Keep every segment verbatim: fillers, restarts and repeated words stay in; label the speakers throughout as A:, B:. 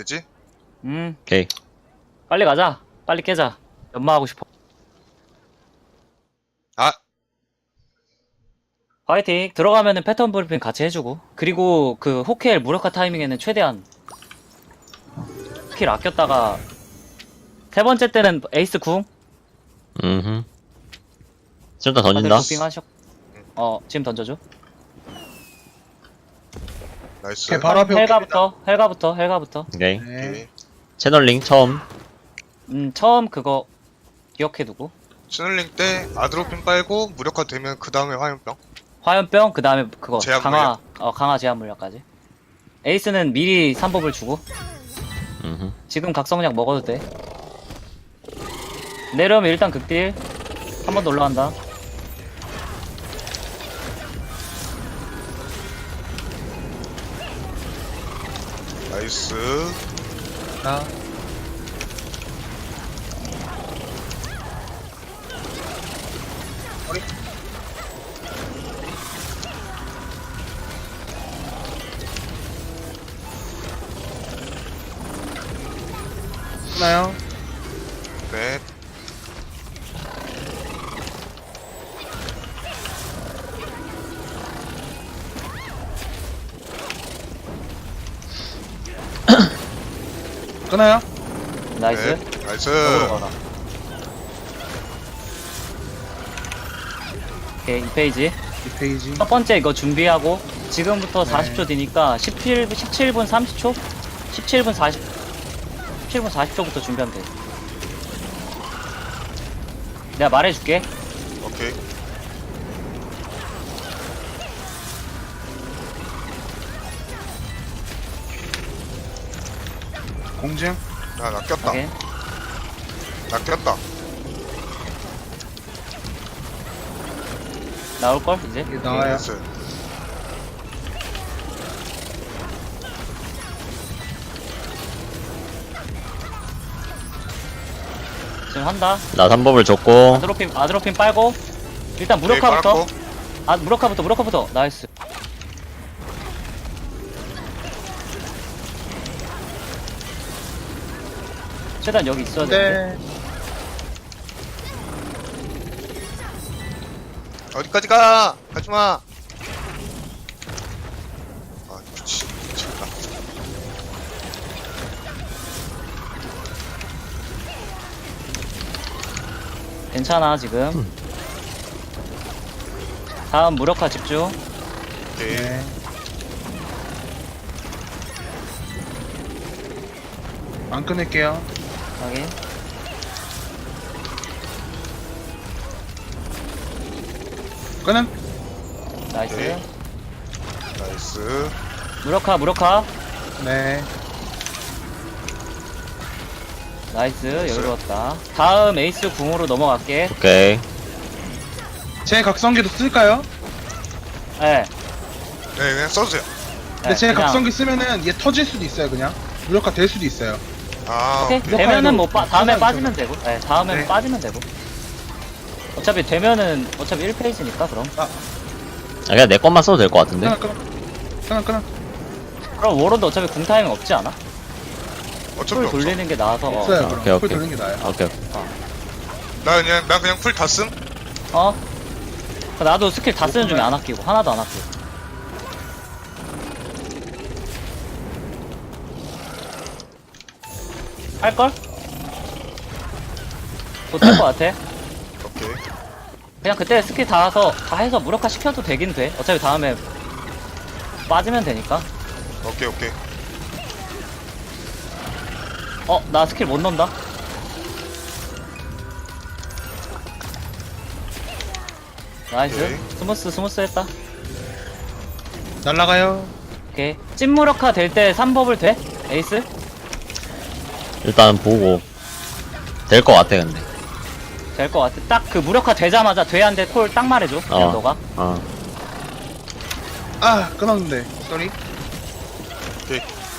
A: 됐지?
B: 음
C: 오케이.
B: 빨리 가자. 빨리 깨자. 연마하고 싶어.
A: 아
B: 화이팅. 들어가면은 패턴 브리핑 같이 해주고, 그리고 그 호켈 무력화 타이밍에는 최대한 스킬 아꼈다가 세 번째 때는 에이스 궁
C: 음흠. 지금 다
B: 다들
C: 던진다.
B: 도핑 하셨. 어 지금 던져줘.
A: 나이스.
D: 오케이, 바로 앞에
B: 헬가부터 헬가부터 헬가부터.
C: 오케이.
D: 네.
A: 오케이.
C: 채널링 처음.
B: 음 처음 그거 기억해두고,
A: 스늘링 때 아드로핀 빨고 무력화 되면 그 다음에 화염병.
B: 화염병 그 다음에 그거
A: 제한
B: 강화 어 강화 제한 물약까지. 에이스는 미리 삼 법을 주고,
C: 음흠.
B: 지금 각성약 먹어도 돼. 내려오면 일단 극딜 한 번 더 올라간다.
A: 나이스.
D: 자, 머리. 하나요?
A: 네.
D: 끊어요?
B: 나이스.
A: 네. 나이스.
B: 역으로 가라. 오케이 이 페이지.
D: 이 페이지.
B: 첫 번째 이거 준비하고, 지금부터
D: 네.
B: 사십 초 뒤니까 십칠, 십칠 분 삼십 초? 십칠 분 사십, 십칠 분 사십 초부터 준비하면 돼. 내가 말해줄게.
A: 오케이.
D: 공증.
A: 아, 나 꼈다.
B: 오케이.
A: 나 꼈다.
B: 나올걸 이제?
D: 이게 나와요.
A: 나이스.
B: 지금 한다.
C: 나 삼 법을 줬고.
B: 아드로핀, 아드로핀 빨고, 일단
A: 오케이,
B: 무력화부터.
A: 빨았고.
B: 아, 무력화부터, 무력화부터. 나이스. 최대한 여기 있어야 돼.
D: 네.
A: 어디까지 가? 가지마. 아, 미치. 미쳤다.
B: 괜찮아, 지금. 다음 무력화 집중.
A: 오케이.
D: 네. 안 끊을게요.
B: 확인.
D: 끊음.
B: 나이스.
A: 오케이. 나이스.
B: 무력화, 무력화.
D: 네.
B: 나이스. 여유로웠다. 다음 에이스 궁으로 넘어갈게.
C: 오케이.
D: 제 각성기도 쓸까요?
B: 예.
A: 네, 그냥 써주세요.
D: 근데
B: 예,
D: 제
B: 그냥.
D: 각성기 쓰면은 얘 터질 수도 있어요, 그냥. 무력화 될 수도 있어요.
A: 아,
B: 오케이.
A: 오케이.
B: 되면은 뭐, 빠, 다음에
D: 하나는
B: 빠지면 되고. 예, 다음에
D: 네.
B: 빠지면 되고. 어차피 되면은, 어차피 일 페이지니까, 그럼.
C: 아, 그냥 내 것만 써도 될 것 같은데?
D: 끊어, 끊어. 끊어, 끊어.
B: 그럼 워런도 어차피 궁 타이밍 없지 않아?
A: 어차피
B: 풀
A: 없어.
B: 돌리는 게 나아서. 어.
D: 없어요,
C: 아,
D: 그럼.
C: 오케이,
D: 풀
C: 오케이.
D: 돌리는 게 나아요.
C: 오케이.
A: 나 그냥, 나 그냥 풀 다 쓴?
B: 어? 나도 스킬 다 쓰는 중에 안 아끼고, 하나도 안 아끼고. 할걸? 못할 것 같아.
A: 오케이.
B: 그냥 그때 스킬 다 해서, 다 해서 무력화 시켜도 되긴 돼. 어차피 다음에 빠지면 되니까.
A: 오케이, 오케이.
B: 어, 나 스킬 못 넣는다. 나이스.
A: 오케이.
B: 스무스, 스무스 했다.
D: 날라가요.
B: 오케이. 찐무력화 될 때 삼 법을 돼? 에이스?
C: 일단 보고. 될 것 같아, 근데.
B: 될 것 같아. 딱 그 무력화 되자마자 돼한테 콜 딱 말해줘. 그냥
C: 어.
B: 너가.
C: 어.
D: 아, 끊었는데. 쏘리.
A: 오케이.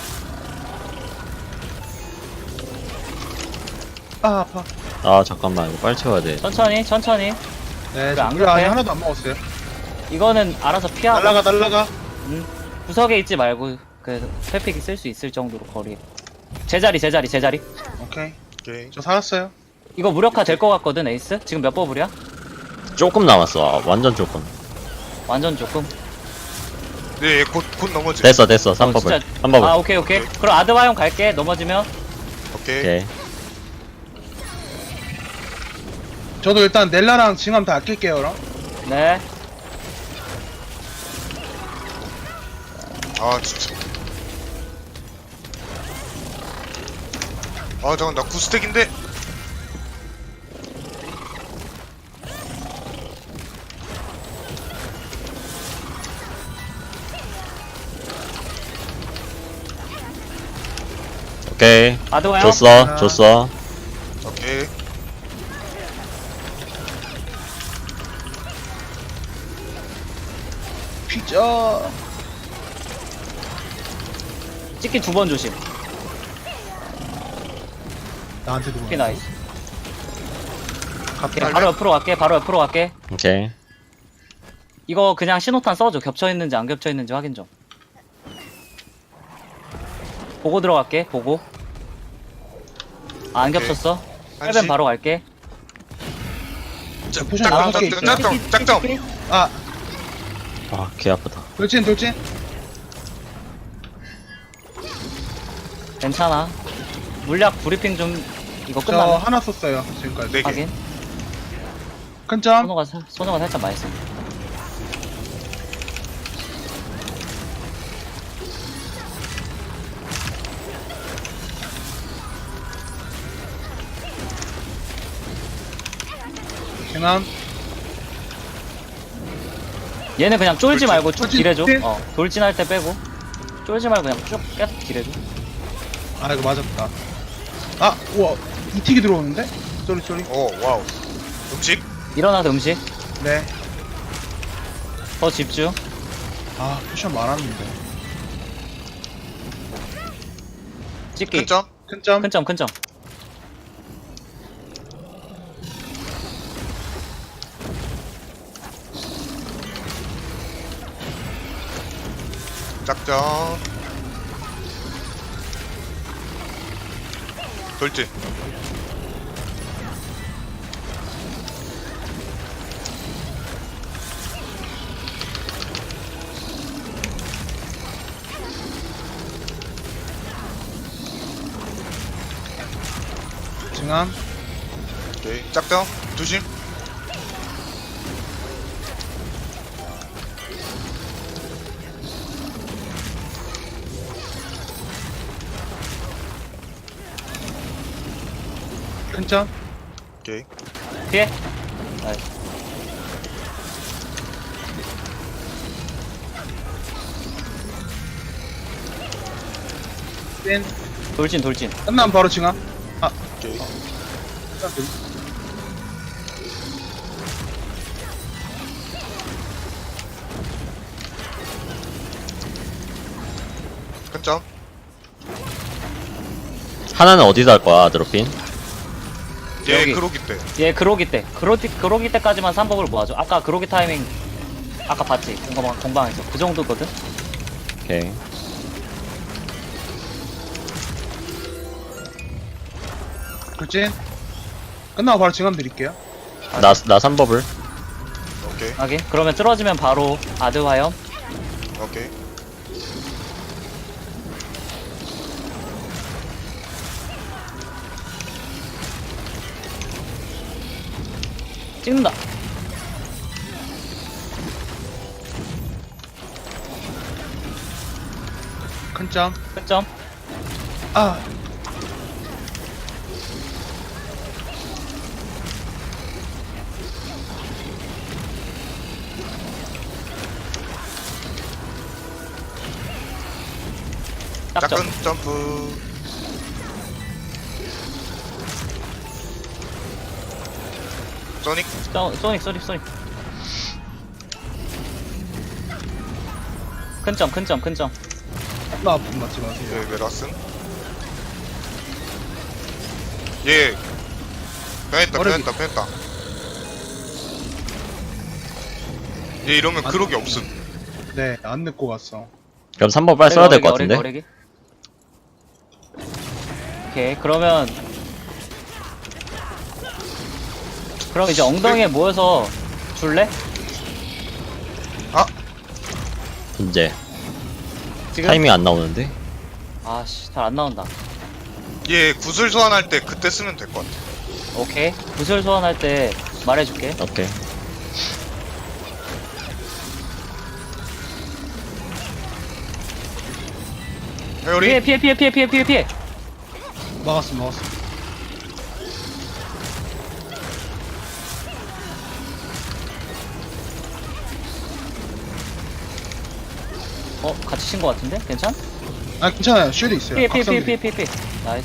D: 아, 아파.
C: 아, 잠깐만. 이거 빨리 채워야 돼.
B: 천천히, 천천히.
D: 네,
B: 그래,
D: 저
B: 안
D: 무력 아직
B: 급해?
D: 하나도 안 먹었어요.
B: 이거는 알아서 피하고.
D: 날라가, 날라가.
B: 음, 구석에 있지 말고 그 회픽이 쓸 수 있을 정도로 거리. 제자리 제자리 제자리.
D: 오케이.
A: 오케이.
D: 저 살았어요.
B: 이거 무력화 될 것 같거든 에이스. 지금 몇 버블이야?
C: 조금 남았어. 아, 완전 조금.
B: 완전 조금.
A: 네, 곧, 곧 넘어지.
C: 됐어, 됐어. 삼
B: 어,
C: 버블.
B: 진짜-
C: 삼 버블.
B: 아 오케이 오케이.
A: 오케이.
B: 그럼 아드바이옴 갈게. 넘어지면.
A: 오케이.
C: 오케이.
D: 저도 일단 넬라랑 징함 다 아낄게요, 그럼.
B: 네.
A: 아, 진짜. 아, 잠깐, 나 구스택인데?
C: 오케이.
B: 아드바이옴.
C: 줬어,
D: 하나.
C: 줬어.
A: 오케이.
D: 피자.
B: 찍기 두 번 조심.
D: 나한테도.
B: 오케이 나이스.
D: 갑자기.
B: 오케이, 바로 옆으로 갈게. 바로 옆으로 갈게.
C: 오케이.
B: 이거 그냥 신호탄 써줘. 겹쳐있는지 안 겹쳐있는지 확인 좀. 보고 들어갈게. 보고. 아, 안
A: 오케이.
B: 겹쳤어.
A: 한시.
B: 헬벤 바로 갈게.
A: 짝,
D: 포션
A: 짝점,
D: 나가게
A: 짝점,
D: 있어요.
A: 짝점, 짝점.
D: 아,
C: 아, 개 아프다.
D: 돌진, 돌진.
B: 괜찮아. 물약 브리핑 좀 이거
D: 저
B: 끝나네.
D: 하나 썼어요, 지금까지.
A: 네 개.
B: 확인.
D: 큰 점.
B: 손호가 사- 손호가 살짝 많이 쓴.
D: 징함.
B: 얘는 그냥 쫄지
A: 돌진,
B: 말고 쭉
D: 돌진,
B: 딜해줘.
D: 돌진.
B: 어, 돌진할 때 빼고. 쫄지 말고 그냥 쭉 계속 딜해줘.
D: 아, 이거 맞았다. 아, 우와. 이틱이 들어오는데? 쏘리, 쏘리.
A: 오, 와우. 음식?
B: 일어나서 음식.
D: 네.
B: 더 집중.
D: 아, 포션 많았는데.
B: 찍기.
A: 큰 점?
D: 큰 점.
B: 큰 점, 큰 점.
A: 짝점. 돌진.
D: 징함.
A: 오케이. 짝점. 조심.
D: 큰 점.
A: 오케이.
B: 피해. 나이스.
D: 찐.
B: 돌진, 돌진.
D: 끝나면 바로 징함. 아,
A: 오케이. 큰 점.
C: 하나는 어디서 할 거야, 아드로핀?
A: 얘
B: 여기.
A: 그로기 때.
B: 얘 그로기 때. 그로기, 그로기 때까지만 삼 법을 모아줘. 아까 그로기 타이밍. 아까 봤지? 공방, 공방에서. 그 정도거든?
C: 오케이.
D: 돌진. 끝나고 바로 징함 드릴게요.
C: 나, 나 삼 버블.
A: 오케이.
B: 하긴. 그러면 쓰러지면 바로 아드화염.
A: 오케이.
B: 찍는다.
D: 큰 점.
B: 큰 점.
D: 아,
B: 짝점.
A: 짝은 점프. 소닉.
B: 소- 소닉, 소닉, 소닉. 큰 점, 큰 점, 큰 점.
D: 나 아픈 맞지 마세요.
A: 예, 메라슨. 예. 변했다,
D: 어렵이.
A: 변했다, 변했다. 얘 이러면 그로기 없음.
D: 네, 안 늦고 갔어.
C: 그럼 삼 버블 빨리 써야 될 것
B: 어레기,
C: 같은데?
B: 어레기, 어레기. 오케이 그러면 그럼 이제 엉덩이에 모여서 줄래?
C: 이제
B: 지금?
C: 타이밍 안 나오는데.
B: 아씨 잘 안 나온다.
A: 얘 구슬 소환할 때 그때 쓰면 될 것 같아.
B: 오케이 구슬 소환할 때 말해줄게.
C: 오케이.
A: 회오리
B: 피해 피해 피해 피해 피해 피해 피해.
D: 막았어 막았어.
B: 어 같이 친 거 같은데? 괜찮?
D: 아 괜찮아요. 쉴드 있어요.
B: 피해 피해 피해
D: 각성기.
B: 피해 피해 피해. 나이스.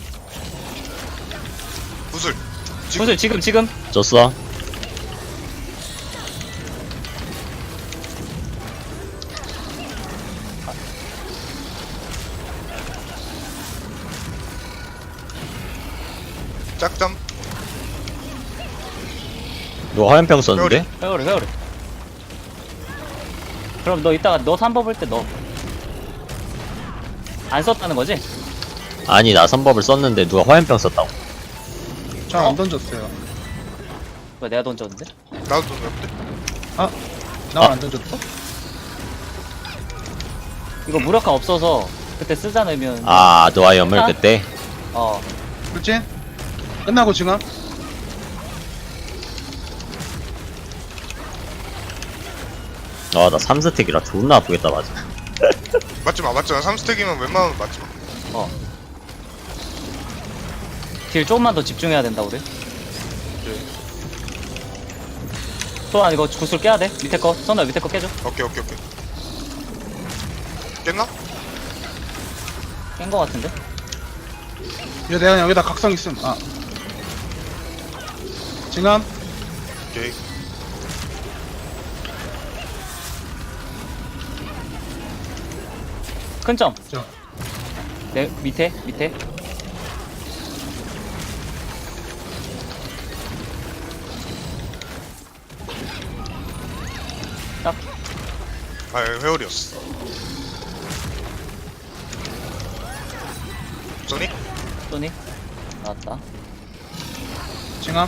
A: 구슬.
B: 구슬 지금 지금.
C: 줬어.
A: 짝점.
C: 너 화염병 썼는데?
B: 회오리 회오리. 그럼 너 이따가 너 삼 법을 때 너. 안 썼다는 거지?
C: 아니 나 삼 법을 썼는데 누가 화염병 썼다고.
D: 저안
B: 어?
D: 던졌어요.
B: 왜 내가 던졌는데?
A: 나도 던졌는데.
D: 나
C: 아.
D: 안 던졌어?
B: 이거 무력화 없어서 그때 쓰자 넣으면
C: 아 노아염을
B: 아.
C: 그때.
B: 어
D: 불진? 끝나고 증압?
C: 아나 삼 스택이라 존나 아프겠다 맞아.
A: 맞지 마, 맞지 마. 삼 스택이면 웬만하면 맞지 마.
B: 어. 딜 조금만 더 집중해야 된다 우리. 또한 이거 구슬 깨야 돼. 밑에 거 선우야 밑에 거 깨줘.
A: 오케이, 오케이, 오케이. 깼나?
B: 깬 거 같은데.
D: 이거 내가 여기다 각성 있음. 아. 증압?
A: 오케이.
B: 큰 점.
D: 저.
B: 내 밑에 밑에. 딱
A: 아, 회오리였어. 소닉?
B: 소니 나왔다.
D: 증압?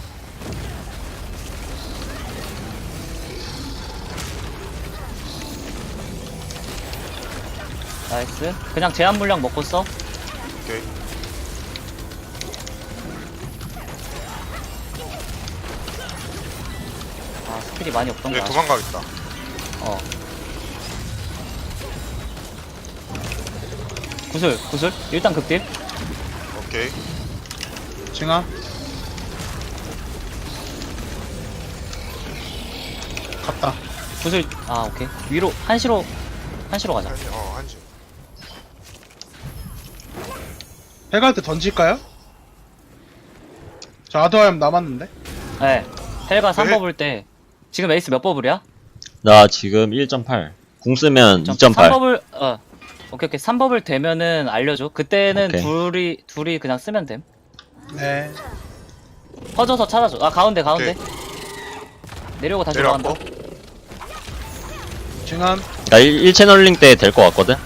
B: 나이스. 그냥 제한 물량 먹고 써.
A: 오케이.
B: 아 스킬이 많이 없던
A: 얘
B: 거야.
A: 도망가겠다.
B: 어. 구슬 구슬 일단 극딜.
A: 오케이.
D: 증압? 갔다.
B: 구슬 아 오케이 위로 한시로 한시로 가자.
A: 한지, 어, 한지.
D: 해갈 때 던질까요? 저 아드와염 남았는데?
B: 네. 헬가 삼
A: 네.
B: 버블 때 지금 에이스 몇 버블이야?
C: 나 지금 일 점 팔. 궁 쓰면 이 점
B: 삼
C: 팔.
B: 버블 어 오케이 오케이 삼 버블 되면은 알려줘. 그때는
C: 오케이.
B: 둘이 둘이 그냥 쓰면 됨.
D: 네.
B: 퍼져서 찾아줘. 아 가운데 가운데. 내려오고 다시
A: 내려왔고.
B: 올라간다.
D: 증압?
C: 나 일 채널링 때 될 것 같거든.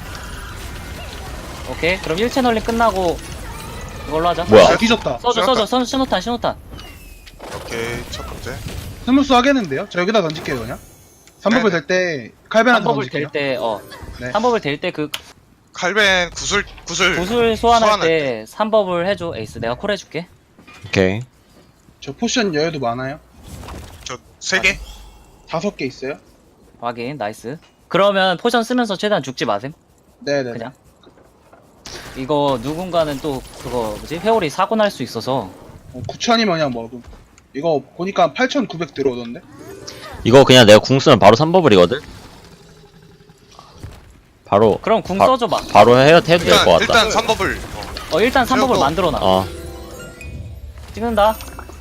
B: 오케이 그럼 일 채널링 끝나고 이걸로 하자.
C: 뭐야?
D: 아, 뒤졌다.
B: 써줘 써줘 선 신호탄 신호탄.
A: 오케이, 첫 번째.
D: 스무스 하겠는데요? 저 여기다 던질게요 그냥. 삼 버블
A: 네.
D: 될 때 칼벤한테
B: 삼 버블
D: 던질게요.
B: 될 때 어.
D: 네.
B: 삼 버블 될 때 그
A: 칼벤 구슬, 구슬.
B: 구슬 소환할
A: 소환할
B: 때 삼 버블 해줘 에이스. 내가 콜 해줄게.
C: 오케이.
D: 저 포션 여유도 많아요.
A: 저, 세 개?
D: 다섯 개 있어요.
B: 확인 나이스. 그러면 포션 쓰면서 최대한 죽지 마셈.
D: 네네.
B: 그냥. 이거 누군가는 또 그거 뭐지 회오리 사고 날 수 있어서.
D: 어, 구천이면 그냥 먹음. 이거 보니까 팔천구백 들어오던데?
C: 이거 그냥 내가 궁 쓰면 바로 삼 버블이거든. 바로
B: 그럼 궁
C: 바-
B: 써줘봐.
C: 바로 해, 해도 될
A: 일단,
C: 것 같다.
A: 일단 삼 버블. 어.
B: 어 일단 삼 버블
A: 세우고.
B: 만들어놔.
C: 어.
B: 찍는다.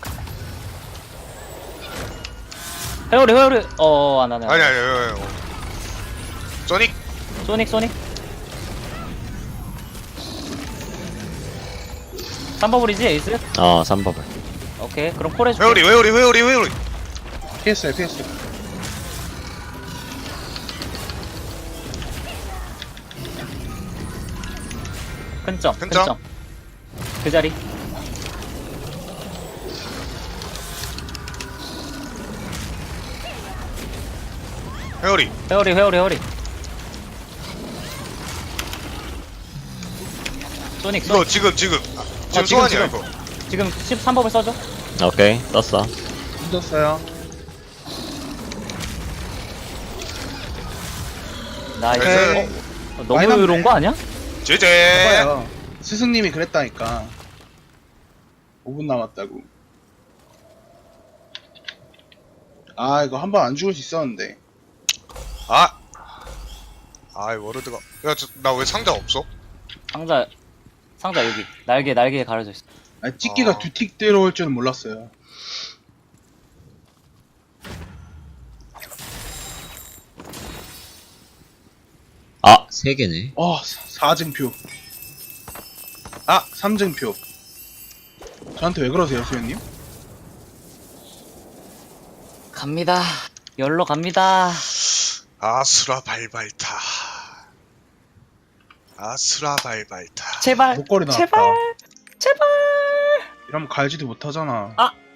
B: 회오리 회오리 어 안하네.
A: 아니, 아니, 아니, 아니. 어. 소닉?
B: 소닉 소닉. 삼 버블이지 에이스?
C: 어, 삼 버블.
B: 오케이 그럼 콜 해줄게.
A: 회오리, 회오리, 회오리, 회오리.
D: 피했어요, 피했어요.
B: 큰점
A: 큰점?
B: 큰점. 그 자리.
A: 회오리.
B: 회오리 회오리 회오리. 소닉
A: 이거
B: 소닉.
A: 지금 지금 지금
B: 지금,
A: 소환이야
B: 지금.
A: 이거.
B: 지금 십삼 법을 써줘.
C: 오케이, 떴어.
D: 묻었어요.
B: 나이스.
A: 네.
B: 어, 너무
D: 많이 남네.
B: 의로운 거 아니야?
A: 제제.
D: 봐봐요. 스승님이 그랬다니까. 오 분 남았다고. 아 이거 한 번 안 죽을 수 있었는데.
A: 아. 아이 워르드가. 야나 왜 상자 없어?
B: 상자 상자 여기 날개 날개에 가려져 있어.
D: 아, 찍기가
A: 아.
D: 두 틱 들어올 줄은 몰랐어요.
C: 아, 세 개네.
D: 어, 사 증표. 아, 삼 증표. 저한테 왜 그러세요, 수현님?
B: 갑니다. 열로 갑니다.
A: 아수라 발발타. 아수라 발발타.
B: 제발.
D: 목걸이 나왔다.
B: 제발. 제발.
D: 이러면 갈지도 못하잖아.
B: 아